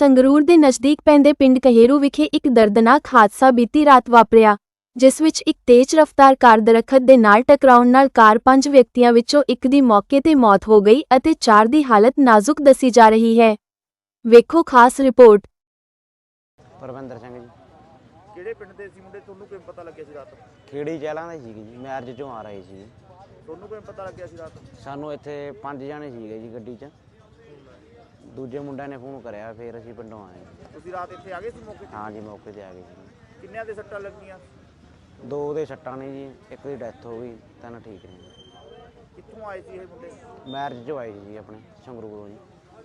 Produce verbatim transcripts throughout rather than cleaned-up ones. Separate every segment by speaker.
Speaker 1: ਸੰਗਰੂਰ ਦੇ ਨਜ਼ਦੀਕ ਪੈਂਦੇ ਪਿੰਡ ਕਹੇਰੂ ਵਿਖੇ ਇੱਕ ਦਰਦਨਾਕ ਹਾਦਸਾ ਬੀਤੀ ਰਾਤ ਵਾਪਰਿਆ, ਜਿਸ ਵਿੱਚ ਇੱਕ ਤੇਜ਼ ਰਫ਼ਤਾਰ ਕਾਰ ਦਰੱਖਤ ਦੇ ਨਾਲ ਟਕਰਾਉਣ ਨਾਲ ਕਾਰ ਪੰਜ ਵਿਅਕਤੀਆਂ ਵਿੱਚੋਂ ਇੱਕ ਦੀ ਮੌਕੇ ਤੇ ਮੌਤ ਹੋ ਗਈ ਅਤੇ ਚਾਰ ਦੀ ਹਾਲਤ ਨਾਜ਼ੁਕ ਦੱਸੀ ਜਾ ਰਹੀ ਹੈ। ਵੇਖੋ ਖਾਸ ਰਿਪੋਰਟ।
Speaker 2: परविंदर सिंह जी।
Speaker 3: ਕਿਹੜੇ ਪਿੰਡ ਦੇ ਸੀ ਮੁੰਡੇ? ਤੁਹਾਨੂੰ ਕਿਵੇਂ ਪਤਾ ਲੱਗਿਆ ਸੀ ਰਾਤ?
Speaker 2: खेड़ी चहलों के जी मैरिज चों आ रहे सी।
Speaker 3: ਤੁਹਾਨੂੰ ਕਿਵੇਂ ਪਤਾ ਲੱਗਿਆ ਸੀ ਰਾਤ?
Speaker 2: सानू इत्थे पंज जाने सीगे जी गड्डी च। दूजे मुंडे ने फोन कराया, फिर असीं पिंडों आए।
Speaker 3: ਤੁਸੀਂ ਰਾਤ ਇੱਥੇ ਆ ਗਏ ਸੀ ਮੌਕੇ ਤੇ?
Speaker 2: हाँ जी, मौके ते आ गए जी।
Speaker 3: ਕਿੰਨਿਆਂ ਦੇ ਸੱਟਾਂ ਲੱਗੀਆਂ?
Speaker 2: दो दे सट्टां ने जी, एक दी डैथ हो गई, तीन ठीक ने।
Speaker 3: ਕਿੱਥੋਂ ਆਏ ਸੀ ਇਹ ਮੁੰਡੇ?
Speaker 2: मैरिज चों आए जी अपने संगरूरों जी।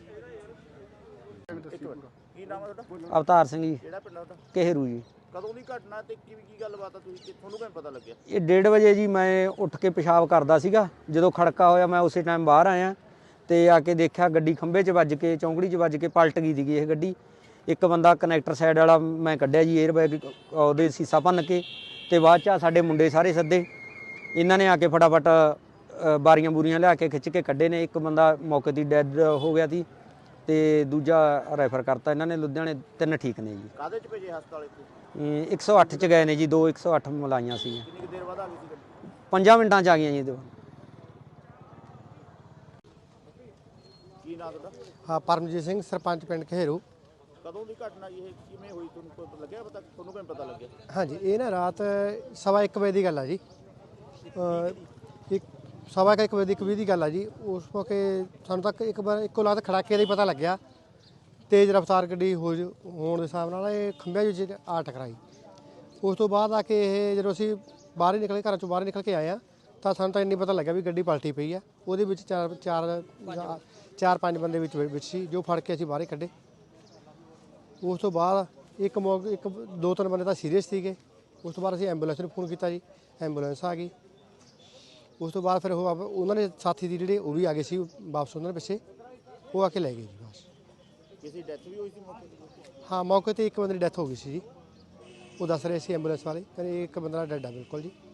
Speaker 3: ਕੀ ਨਾਮ ਹੈ ਤੁਹਾਡਾ?
Speaker 4: अवतार सिंह जी,
Speaker 3: ਕਿਹੜਾ ਪਿੰਡ ਆ ਤੁਹਾਡਾ?
Speaker 4: कहेरू जी।
Speaker 3: ਕਦੋਂ ਦੀ ਘਟਨਾ ਤੇ ਕੀ ਕੀ ਗੱਲਬਾਤ ਆ? ਤੁਸੀਂ ਕਿ- ਤੁਹਾਨੂੰ ਕਿਵੇਂ ਪਤਾ ਲੱਗਿਆ?
Speaker 4: ਇਹ ਡੇਢ ਵਜੇ ਜੀ ਮੈਂ ਉੱਠ ਕੇ ਪਿਸ਼ਾਬ ਕਰਦਾ ਸੀਗਾ। ਜਦੋਂ ਖੜਕਾ ਹੋਇਆ ਮੈਂ ਉਸੇ ਟਾਈਮ ਬਾਹਰ ਆਇਆ ਤੇ ਆ ਕੇ ਦੇਖਿਆ ਗੱਡੀ ਖੰਭੇ 'ਚ ਵੱਜ ਕੇ, ਚੌਂਕੜੀ 'ਚ ਵੱਜ ਕੇ ਪਲਟ ਗਈ ਸੀਗੀ ਇਹ ਗੱਡੀ। ਇੱਕ ਬੰਦਾ ਕਨੈਕਟਰ ਸਾਈਡ ਵਾਲਾ ਮੈਂ ਕੱਢਿਆ ਜੀ, 에ਅਰ ਬੈਗ ਉਹਦੇ ਸੀਸਾ ਭੰਨ ਕੇ, ਤੇ ਬਾਅਦ 'ਚ ਸਾਡੇ ਮੁੰਡੇ ਸਾਰੇ ਸੱਦੇ। ਇਹਨਾਂ ਨੇ ਆ ਕੇ ਫਟਾਫਟ ਅ, ਬਾਰੀਆਂ ਬੂਰੀਆਂ ਲਿਆ ਕੇ ਖਿੱਚ ਕੇ ਕੱਢੇ ਨੇ। ਇੱਕ ਬੰਦਾ ਮੌਕੇ 'ਤੇ ਡੈਡ ਹੋ ਗਿਆ ਸੀ ਤੇ ਦੂਜਾ ਰੈਫਰ ਕਰਤਾ ਇਹਨਾਂ ਨੇ ਲੁਧਿਆਣੇ। ਤਿੰਨ ਠੀਕ ਨੇ ਜੀ।
Speaker 3: ਕਾਹਦੇ ਚ ਭੇਜੇ ਹਸਪਤਾਲ ਇੱਥੇ?
Speaker 4: ਇਹ ਇੱਕ ਸੌ ਅੱਠ 'ਚ ਗਏ ਨੇ ਜੀ, ਦੋ ਇੱਕ ਸੌ ਅੱਠ ਮਲਾਈਆਂ ਸੀ।
Speaker 3: ਕਿੰਨੀ ਕੁ ਦੇਰ ਬਾਅਦ ਆ ਗਈ ਸੀ ਗੱਡੀ?
Speaker 4: ਪੰਜਾਂ ਮਿੰਟਾਂ 'ਚ ਆ ਗਈਆਂ ਜੀ। ਦੋ
Speaker 3: ਕੀ ਨਾਮ ਤੁਹਾਡਾ?
Speaker 5: ਹਾਂ, ਪਰਮਜੀਤ ਸਿੰਘ, ਸਰਪੰਚ ਪਿੰਡ ਕਹੇਰੂ।
Speaker 3: ਕਦੋਂ ਦੀ ਘਟਨਾ ਜੀ ਇਹ? ਕਿਵੇਂ ਹੋਈ? ਤੁਹਾਨੂੰ ਕੋਈ ਪਤਾ ਲੱਗਿਆ? ਪਤਾ ਤੁਹਾਨੂੰ ਕਿਵੇਂ ਪਤਾ ਲੱਗਿਆ?
Speaker 5: ਹਾਂਜੀ, ਇਹ ਨਾ ਰਾਤ ਸਵਾ ਇੱਕ ਵਜੇ ਦੀ ਗੱਲ ਆ ਜੀ। ਅ, ਇੱਕ ਸਵਾ ਕੁ ਇੱਕ ਵਜੇ ਦੀ ਇੱਕ ਵੀਹ ਦੀ ਗੱਲ ਆ ਜੀ। ਉਸ ਮੌਕੇ ਸਾਨੂੰ ਤੱਕ ਇੱਕ ਵਾਰ ਇੱਕੋ ਲਾਤ ਖੜਾਕੇ ਦਾ ਹੀ ਪਤਾ ਲੱਗਿਆ। ਤੇਜ਼ ਰਫ਼ਤਾਰ ਗੱਡੀ ਹੋ ਜ- ਹੋਣ ਦੇ ਹਿਸਾਬ ਨਾਲ ਇਹ ਖੰਭਿਆਂ ਵਿੱਚ ਆ ਟਕਰਾਈ। ਉਸ ਤੋਂ ਬਾਅਦ ਆ ਕੇ ਇਹ ਜਦੋਂ ਅਸੀਂ ਬਾਹਰ ਹੀ ਨਿਕਲੇ, ਘਰਾਂ ਚੋਂ ਬਾਹਰ ਨਿਕਲ ਕੇ ਆਏ ਆ, ਤਾਂ ਸਾਨੂੰ ਤਾਂ ਇੰਨੀ ਪਤਾ ਲੱਗਾ ਵੀ ਗੱਡੀ ਪਲਟੀ ਪਈ ਆ। ਉਹਦੇ ਵਿੱਚ ਚਾਰ ਚਾਰ ਚਾਰ ਪੰਜ ਬੰਦੇ ਵਿੱਚ ਵਿੱਚ ਸੀ, ਜੋ ਫੜ ਕੇ ਅਸੀਂ ਬਾਹਰ ਹੀ ਕੱਢੇ। ਉਸ ਤੋਂ ਬਾਅਦ ਇੱਕ ਮੌਕੇ ਇੱਕ ਦੋ ਤਿੰਨ ਬੰਦੇ ਤਾਂ ਸੀਰੀਅਸ ਸੀਗੇ। ਉਸ ਤੋਂ ਬਾਅਦ ਅਸੀਂ ਐਂਬੂਲੈਂਸ ਨੂੰ ਫੋਨ ਕੀਤਾ ਜੀ, ਐਂਬੂਲੈਂਸ ਆ ਗਈ। ਉਸ ਤੋਂ ਬਾਅਦ ਫਿਰ ਉਹ ਆਪ- ਉਹਨਾਂ ਦੇ ਸਾਥੀ ਦੀ ਜਿਹੜੇ ਉਹ ਵੀ ਆ ਗਏ ਸੀ ਵਾਪਸ, ਉਹਨਾਂ ਦੇ ਪਿੱਛੇ ਉਹ ਆ ਕੇ ਲੈ ਗਏ ਜੀ ਬਸ।
Speaker 3: ਕਿਸੇ ਡੈਥ ਵੀ ਹੋਈ ਸੀ ਮੌਕੇ ਤੇ?
Speaker 5: ਹਾਂ, ਮੌਕੇ ਤੇ ਇੱਕ ਬੰਦੇ ਦੀ ਡੈਥ ਹੋ ਗਈ ਸੀ ਜੀ। ਉਹ ਦੱਸ ਰਹੇ ਸੀ ਐਂਬੂਲੈਂਸ ਵਾਲੇ, ਕਹਿੰਦੇ ਇੱਕ ਬੰਦਾ ਡੈਡ ਆ ਬਿਲਕੁਲ ਜੀ।